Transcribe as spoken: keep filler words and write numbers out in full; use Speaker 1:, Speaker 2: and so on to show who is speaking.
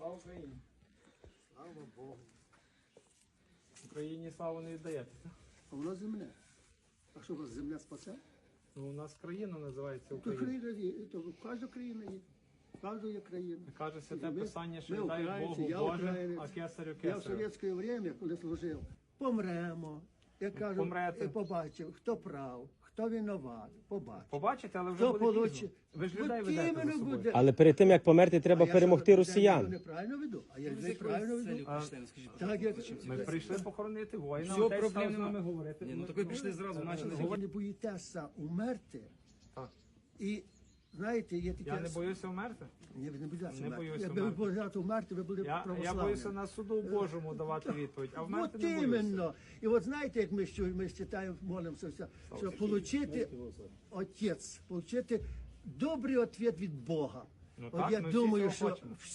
Speaker 1: Слава Україні!
Speaker 2: Слава Богу.
Speaker 1: Україні славу не віддаєте.
Speaker 2: А воно земля. А що у вас земля спасе?
Speaker 1: Ну, у нас країна називається
Speaker 2: То
Speaker 1: Україна.
Speaker 2: країна є, то кожна країна є. Кожна є країна.
Speaker 1: Каже святе
Speaker 2: Ми-
Speaker 1: писання, що
Speaker 2: ми
Speaker 1: віддай
Speaker 2: українці,
Speaker 1: Богу
Speaker 2: я
Speaker 1: Боже,
Speaker 2: українець.
Speaker 1: а кесарю
Speaker 2: Я в
Speaker 1: кесарю.
Speaker 2: совєтське время, коли служив, помремо. Я кажу,
Speaker 1: Помрете.
Speaker 2: і побачив, хто прав, хто винуват, побачив.
Speaker 1: Побачите, але вже
Speaker 2: Хто
Speaker 1: буде
Speaker 2: получи-
Speaker 1: пізно. Ви ж
Speaker 2: От
Speaker 1: людей ведете
Speaker 2: іменно
Speaker 1: за собою.
Speaker 2: буде.
Speaker 3: Але перед тим як померти,
Speaker 2: А
Speaker 3: треба
Speaker 2: я
Speaker 3: перемогти
Speaker 2: що,
Speaker 3: росіян.
Speaker 2: Я неправильно веду, а я неправильно веду.
Speaker 1: А,
Speaker 2: Так, як...
Speaker 1: Ми прийшли похоронити воїна,
Speaker 4: Все,
Speaker 1: отець
Speaker 4: проблем
Speaker 1: став з нами
Speaker 4: нема.
Speaker 1: говорити.
Speaker 4: Ні, ну так ви пішли зразу, почали.
Speaker 2: Ви не боїтеся умерти.
Speaker 1: Так.
Speaker 2: І, знаєте, є таке...
Speaker 1: Я не боюся вмерти.
Speaker 2: Ні, ви не боїтеся
Speaker 1: Не
Speaker 2: умерти.
Speaker 1: боюся
Speaker 2: Якби ви
Speaker 1: умерти.
Speaker 2: боялися умерти, ви були
Speaker 1: Я, я
Speaker 2: православними.
Speaker 1: боюся на суду Божому давати відповідь, а вмерти
Speaker 2: От
Speaker 1: не боюся.
Speaker 2: іменно. І от знаєте, як ми, що, ми читаємо, молимося, все, що отримати, отець, отримати добрий відповідь від Бога.
Speaker 1: Ну
Speaker 2: От
Speaker 1: так,
Speaker 2: я
Speaker 1: ми всі
Speaker 2: думаю,
Speaker 1: цього
Speaker 2: що
Speaker 1: хочемо.